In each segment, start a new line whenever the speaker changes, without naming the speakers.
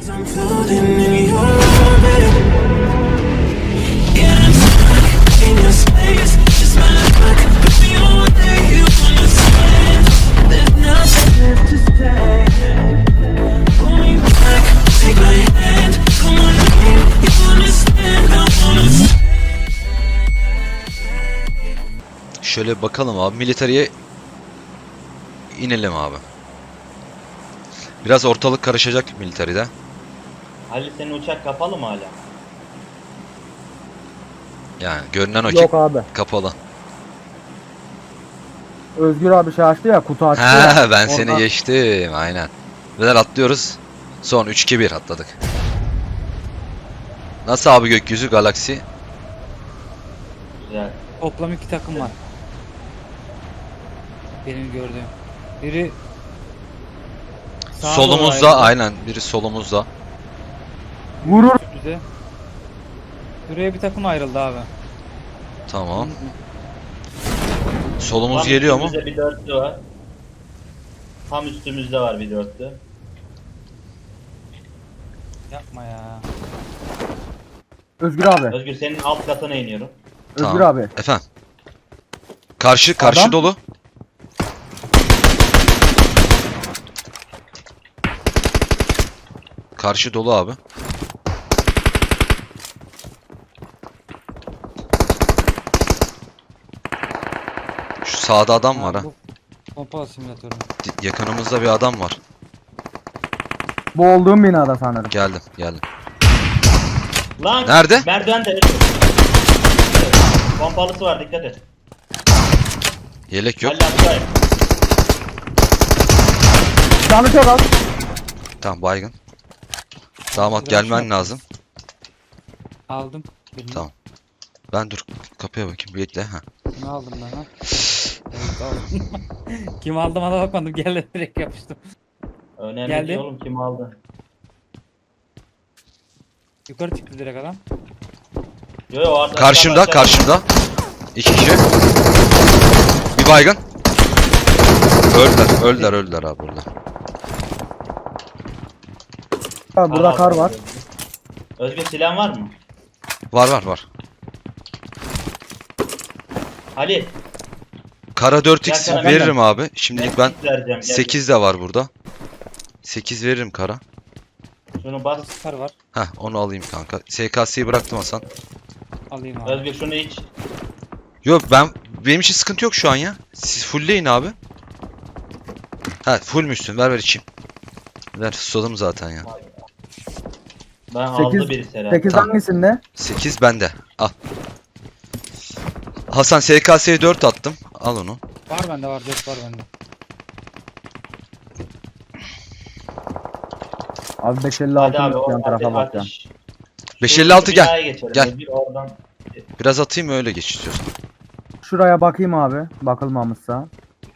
I'm floating in your orbit. Yeah, I'm stuck in your space. Just my luck, put me on where you understand. There's nothing left to say. Pull me back, take my hand. Come on, babe, you understand. I wanna stay.
Şöyle bakalım abi. Militariye inelim abi. Biraz ortalık karışacak militaride.
Halil senin uçak kapalı mı hala?
Yani görünen o ki
Yok abi.
kapalı.
Özgür abi şey açtı ya, kutu açtı ya.
Ha, ben seni
Oradan-
geçtim aynen. Beyler atlıyoruz. Son 3-2-1 atladık. Nasıl abi gökyüzü galaksi?
Güzel.
Toplam 2 takım var. Benim gördüğüm. Biri sağa doğru
Solumuzda
ayrıldı,
aynen biri solumuzda.
Vurur.
bize. Buraya bir takım ayrıldı abi.
Tamam. Solumuz
Tam
geliyor mu?
üstümüzde bir dörtlü var. Tam üstümüzde var bir dörtlü.
Yapma ya.
Özgür abi.
Özgür senin alt katına iniyorum.
Özgür
Tamam.
abi.
Efendim. Karşı
Adam-
dolu. Karşı dolu abi. Şu sağda adam var ha.
Bu pompa simülatörü.
Yakınımızda bir adam var.
Bu olduğum binada sanırım.
Geldim.
Lan!
Nerede?
Merdivende. Pompalısı var, dikkat et.
Yelek yok.
Halil aşağıya.
Canı çok az.
Tamam baygın. Damat gelmen lazım.
Aldım. Birini.
Tamam. Ben dur kapıya bakayım bekle ha.
Kimi aldım ben ha? Evet aldım. Kim aldım ona bakmadım. Geldi direkt yapıştım.
Önemli
Geldi.
değil oğlum, kim aldı?
Yukarı çıktı direkt adam.
Yo yo orada.
Karşımda. 2 kişi. Bir baygın. Öldüler abi burada.
Abi burada kar var.
Özgür silahın var mı?
Var.
Halil.
Kara 4x
Gel,
veririm abi. Şimdilik ben
vereceğim, gel.
8 de var burada. 8 veririm kara.
Şunu bas.
Sıkar var.
Heh onu alayım kanka. SKS'yi bıraktım Hasan.
Alayım abi.
Özgür şunu iç.
Yok benim için sıkıntı yok şu an ya. Siz fullleyin abi. Ha fullmüşsün ver içeyim. Ver susadım zaten ya.
Ben
8
aldı birisi herhalde.
8
Tamam.
hangisinde?
8 bende. Al. Hasan SKS'ye 4 attım. Al onu.
Var bende var. 4 var bende.
Abi 556
Hadi abi
yan tarafa bakacağım.
atış.
556 gel.
Binaya geçelim.
Gel.
Özgür oradan.
Biraz atayım öyle geç istiyorsan.
Şuraya bakayım abi. Bakılmamışsa.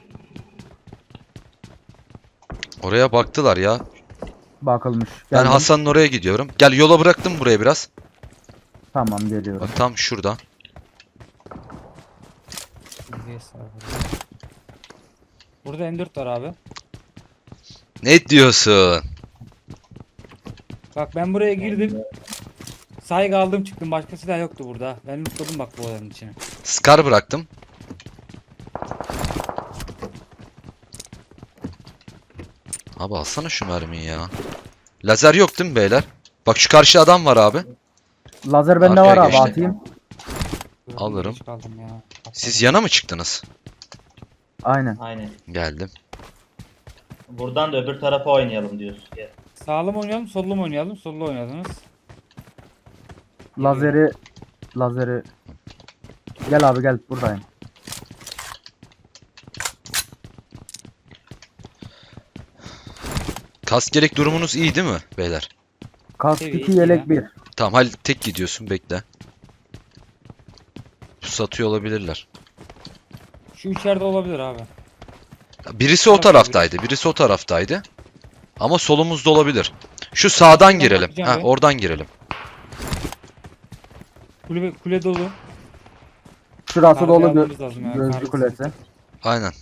Oraya baktılar ya.
Bakılmış.
Ben
Geldim.
Hasan'ın oraya gidiyorum. Gel yola bıraktım buraya biraz.
Tamam geliyorum.
Bak tam şurada.
DBS var burada. Burada M4 var abi.
Ne diyorsun?
Bak ben buraya girdim. Saygı aldım çıktım. Başka silah yoktu burada. Ben lootladım bak bu odanın içine.
Scar bıraktım. Abi alsana şu mermiyi ya. Lazer yok değil mi beyler? Bak şu karşı adam var abi.
Lazer bende
Arkaya
var abi,
geçti.
atayım.
Gördüm,
Alırım.
geç kaldım ya.
Siz yana mı çıktınız?
Aynen.
Aynen.
Geldim.
Buradan da öbür tarafa oynayalım diyorsun. Gel.
Sağlı mı oynayalım, sollu mu oynayalım? Sollu oynadınız.
Lazeri. Gel abi gel, buradayım.
Kask gerek durumunuz iyi değil mi beyler?
Kask
Seviye
2
iki
yelek
ya.
1.
Tamam Halil tek gidiyorsun bekle. Satıyor olabilirler.
Şu içeride olabilir abi.
Birisi o taraftaydı. Birisi o taraftaydı. Ama solumuzda olabilir. Şu sağdan girelim.
bakacağım
Ha
ben.
oradan girelim.
Kule dolu.
Şurası
Kargı
dolu
almamız lazım ya,
gözcü
kargı.
kulesi.
Aynen.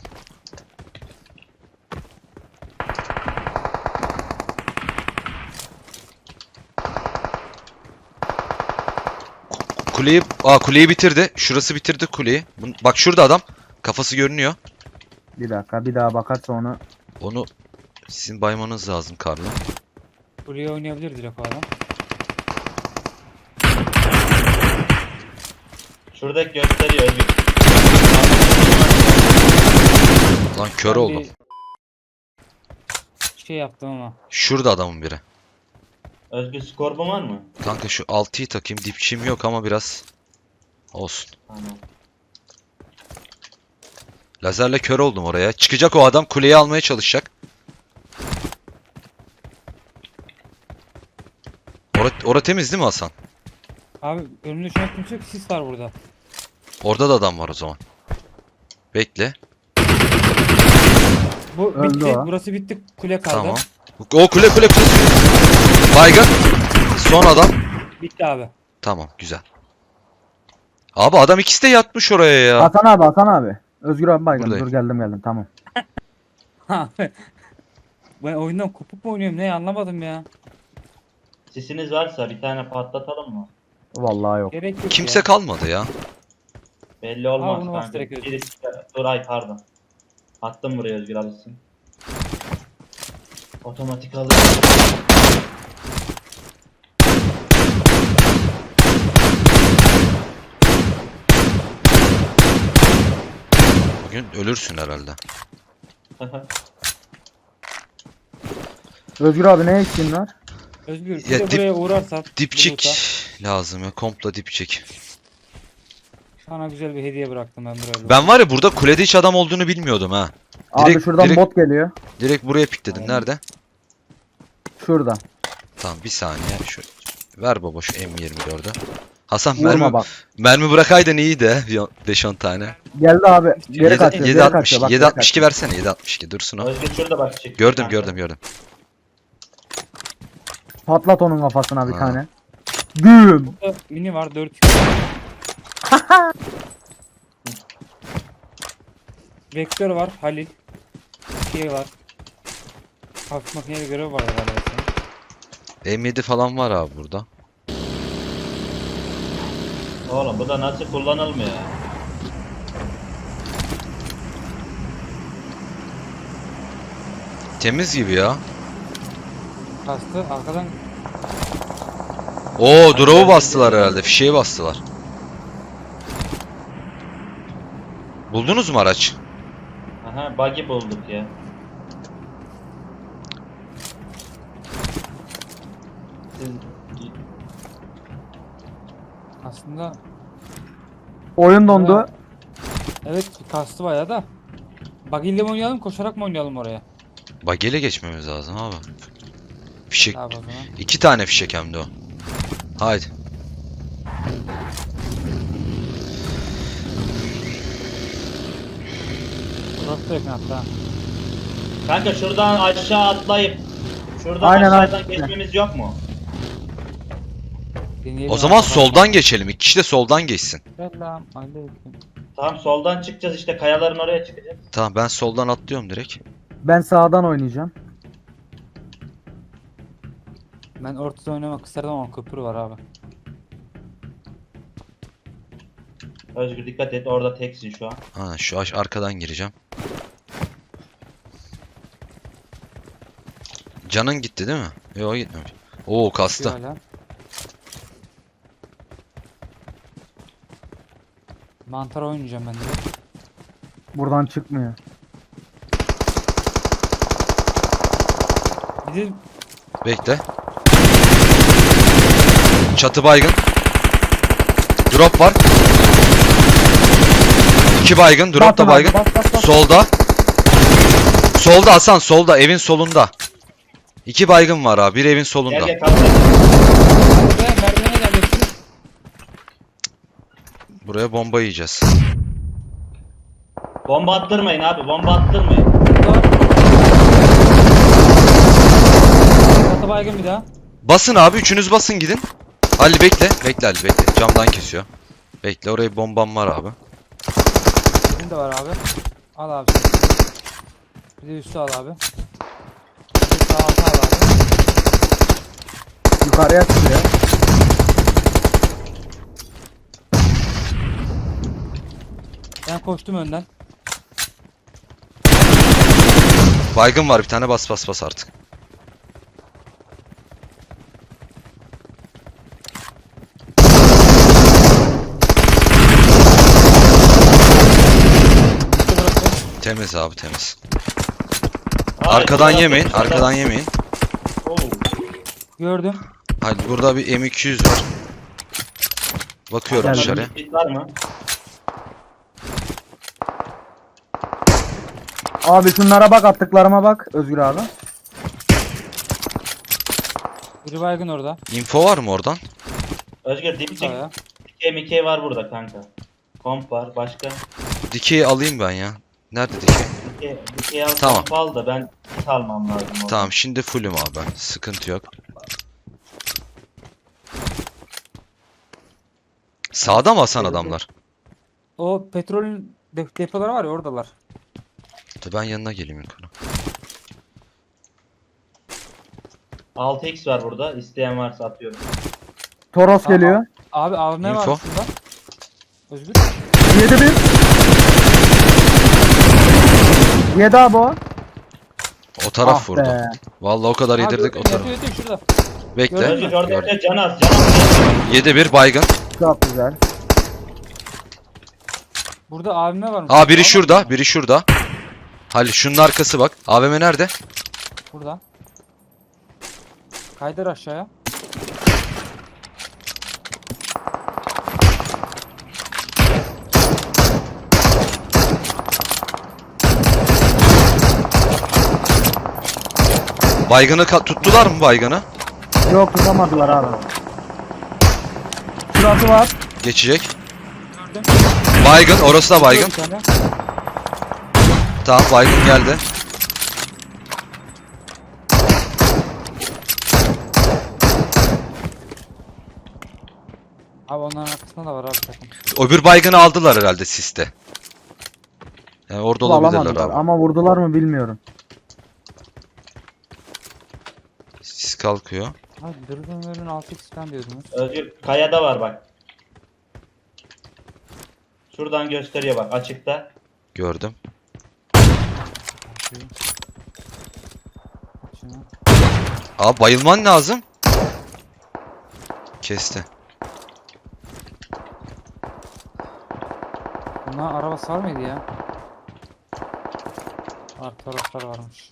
kuleyi bitirdi. Şurası bitirdi kuleyi. Bak şurada adam. Kafası görünüyor.
Bir dakika bir daha bakarsa onu.
Onu sizin baymanız lazım Karlı.
Buraya oynayabilir direkt o adam.
Şuradaki gösteriyor Özgür.
Lan kör
Ben
oldum.
bir şey yaptım ama.
Şurada adamın biri.
Özgür skorbun var mı?
Kanka şu 6'yı takayım. Dipçiğim yok ama biraz olsun.
Tamam.
Lazerle kör oldum oraya. Çıkacak o adam, kuleyi almaya çalışacak. Ora temiz değil mi Hasan?
Abi önümde şu an kimse yok. Sis var burada.
Orada da adam var o zaman. Bekle.
Bu
Öldü
bitti.
o.
Burası bitti. Kule kaldı.
Tamam. O kule. Baygın. Son adam.
Bitti abi.
Tamam, güzel. Abi adam ikisi de yatmış oraya ya.
Hasan abi. Özgür abi baygın.
Buradayım.
Dur geldim tamam.
Abi. Ben oyundan kopuk mu oynuyorum ne anlamadım ya.
Sisiniz varsa bir tane patlatalım mı?
Vallahi yok.
Gerek yok
Kimse
ya.
kalmadı ya.
Belli olmaz
bunu bas
kanka.
direkt Özgür.
Dur ay pardon. Attım buraya Özgür alışsın. Otomatik alır.
Bugün ölürsün herhalde.
Özgür abi ne eksiğin var?
Özgür bir
Ya
de
dip-
buraya uğrarsan.
Dipçik lazım ya. Komplo dipçik.
Sana güzel bir hediye bıraktım ben buraya.
Ben var ya burada kulede hiç adam olduğunu bilmiyordum ha.
Abi şuradan
direkt-
bot geliyor.
Direkt buraya pikledim. Nerede?
Şurada.
Tamam bir saniye. Şu ver baba şu M24'ü. Hasan
Vurma bak.
mermi bırakaydın iyiydi. 5-10 tane.
Geldi abi. Geri kaçıyor. Geri kaçıyor. Bak, geri
7.62
kaçıyor.
versene 7.62 dursun o.
Özgür şurada bak çık.
Gördüm
kanka.
gördüm.
Patlat onun kafasına bir
Ha.
tane. Güm.
Burada mini var 4 Vektör var Halil. Şey var. Hafif makineye görev var galiba.
M7 falan var abi burada.
Oğlum bu da nasıl kullanılmıyor ya?
Temiz gibi ya.
Kastı arkadan
Oo drop'u bastılar herhalde. Fişeği bastılar. Buldunuz mu araç?
Aha buggy bulduk ya. Siz
aslında
Oyun dondu.
evet kastı bayağı da. Buggy ile mi oynayalım koşarak mı oynayalım oraya?
Bagele geçmemiz lazım abi. Fişek.
Abi o zaman.
2 tane fişek hem de o. Haydi.
Burası da yakın hatta.
kanka şuradan aşağı atlayıp şuradan
Aynen,
aşağıdan
aynen.
geçmemiz yok mu?
Deneyelim
O zaman
abi.
soldan geçelim. 2 kişi de soldan geçsin.
Selam aleyküm.
Tamam soldan çıkacağız işte kayaların oraya çıkacağız.
Tamam ben soldan atlıyorum direkt.
Ben sağdan oynayacağım.
Ben ortada oynamak isterdim ama köprü var abi.
Özgür dikkat et orada teksin şu an.
Ha şu arkadan gireceğim. Canın gitti değil mi? Yok gitmemiş. Oo kastı.
Hala. Mantar oynayacağım ben de.
Buradan çıkmıyor.
Bir de
Bekle. Çatı baygın. Drop var. 2 baygın. Drop
Basın
da
abi,
baygın.
bas.
Solda. Solda Hasan solda. Evin solunda. 2 baygın var abi. Bir evin
Gel
solunda.
gel kalk.
buraya merdivene geleceksiniz.
Buraya bomba yiyeceğiz.
Bomba attırmayın abi bomba attırmayın.
Burada. Katı baygın bir daha.
Basın abi. Üçünüz basın gidin. Ali bekle. Bekle Ali bekle. Camdan kesiyor. Bekle oraya bombam var abi.
Benim de var abi. Al abi. Bir de üstü al abi. Bir de sağ altı al abi.
Yukarıya çıkıyor.
Ben koştum önden.
Baygın var bir tane, bas bas bas artık.
İşte burası.
Temiz abi, temiz.
Hayır,
Arkadan
bu
yemeyin,
tarafta-
arkadan yemeyin.
Oo.
Gördüm.
Hadi burada bir M200 var. Bakıyorum
Geldim.
dışarıya.
Bir var mı?
Abi şunlara bak, attıklarıma bak Özgür abi.
Biri baygın orada.
Info var mı oradan?
Özgür dip çek.
Sağ.
Dikey var burada kanka. Komp var. Başka.
Dikeyi alayım ben ya. Nerede dikey?
Dikey al,
Tamam.
komp al da ben hit almam lazım. oradan.
Tamam, şimdi fullüm abi ben. Sıkıntı yok. Sağda mı Hasan adamlar?
O petrolün depoları var ya oradalar.
Dur ben yanına geleyim yukarı.
6x var burada. İsteyen varsa atıyorum.
Toros geliyor.
Abi AVM var
Info.
şurada. Özgür.
7-1. 7 abi o.
O taraf
Ah
vurdu.
be.
Vallahi o kadar
Abi
yedirdik o
yatıyor,
taraf.
yatıyor şurada.
Bekle.
Gördün mü?
Özgür orada
Gördüm.
can az. Can az.
7-1 baygın.
Çok güzel.
Burada AVM varmış.
Aa, biri
Tamam.
şurada, biri şurada. Halil şunun arkası bak. AVM nerede?
Burada. Kaydır aşağıya.
Baygını tuttular mı baygını?
Yok, tutamadılar abi. Şurası var.
Geçecek.
Gördüm.
Baygın, orası da baygın.
Bir tane.
Tamam, baygın geldi.
Abi onların arkasında da var abi takım.
Öbür baygını aldılar herhalde siste. Yani orada olabilirler
Alamadılar
abi.
ama vurdular mı bilmiyorum.
Sis kalkıyor.
Abi dürbünlerin 6x falan diyordunuz.
Özgür kayada var bak. Şuradan gösteriyor bak açıkta.
Gördüm.
Şunu.
Abi bayılman lazım. Kesti.
Bunlar araba sar mıydı ya? Taraftar varmış.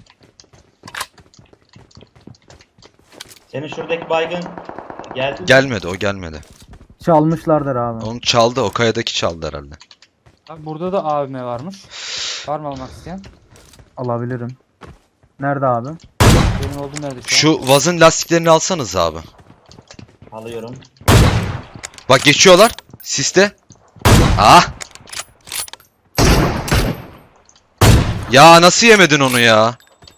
Senin şuradaki baygın geldi. mi?
Gelmedi, o gelmedi.
Çalmışlardır abi.
Onu çaldı, o kayadaki çaldı herhalde.
Abi burada da AVM varmış. Var mı almak isteyen?
Alabilirim. Nerede abi?
Benim olduğum nerede şu an?
Şu vazın lastiklerini alsanız abi.
Alıyorum.
Bak geçiyorlar. Siste. Ah. Ya nasıl yemedin onu ya?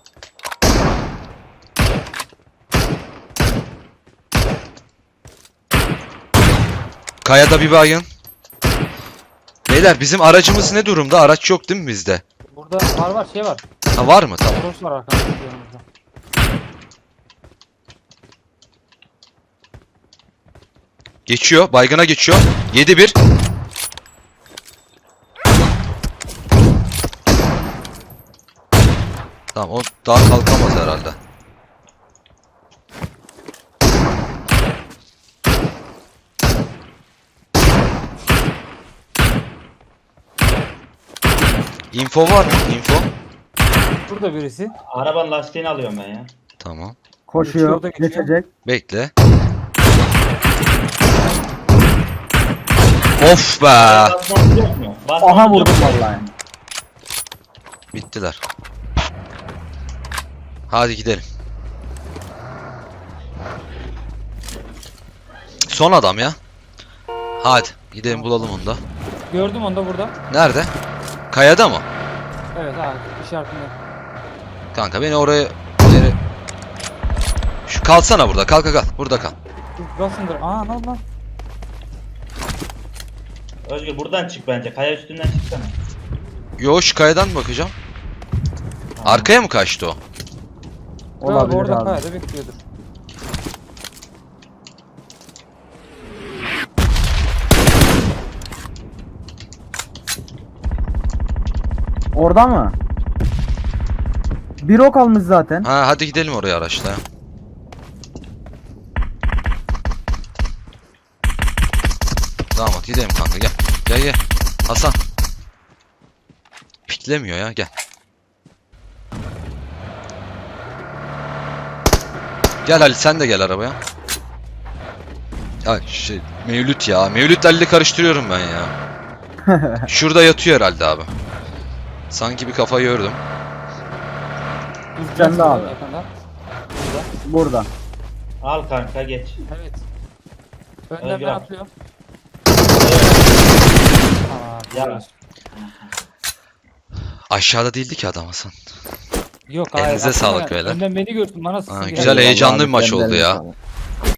Kayada bir baygın. Beyler bizim aracımız ne durumda? Araç yok değil mi bizde?
Burada var şey var.
Ha, var mı? Tamam.
Cross var arkamızda yanımızda.
Geçiyor. Baygına geçiyor. 7-1. Tamam, o daha kalkamaz herhalde. Info var mı? Info.
Burada birisi.
Arabanın lastiğini alıyorum ben ya.
Tamam.
Koşuyor.
Geçiyor da geçiyor.
Geçecek.
Bekle. Of be.
Basmamız yok mu? Basmamız
Aha
yok
vurdum
mu?
vallahi.
Bittiler. Hadi gidelim. Son adam ya. Hadi gidelim bulalım onu da.
Gördüm onu da burada.
Nerede? Kayada mı?
Evet abi işaretinde.
Kanka beni oraya... Şu kalsana burada. Kalk kalk kalk. Burada kal.
Basındır. Aa ne oldu lan?
Özgür buradan çık bence. Kaya üstünden çıksana.
Yo, şu kayadan mı bakacağım? Arkaya mı kaçtı o?
Olabilir
Orada
abi.
kayada bekliyordur.
Orada mı? Bir ok almış zaten.
Ha hadi gidelim oraya araçla ya. Damat gidelim kanka gel. Gel gel. Hasan. Piklemiyor ya gel. Gel Ali sen de gel arabaya. Ya Mevlüt ya. Mevlüt'le Ali'yi karıştırıyorum ben ya. Şurada yatıyor herhalde abi. Sanki bir kafa gördüm.
Sen de abi.
Yakında.
Burada.
Al kanka geç.
Evet. Önden
Özgür
ben
abi.
atlıyorum.
Ya.
Tamam.
Aşağıda değildi ki adam Hasan.
Yok
Elinize
aslında
sağlık beyler.
Önden beni gördün bana
Ha,
sıkıntı
güzel
geldi.
heyecanlı bir
Vallahi
maç
kendi
oldu
eline
ya.
sağlık.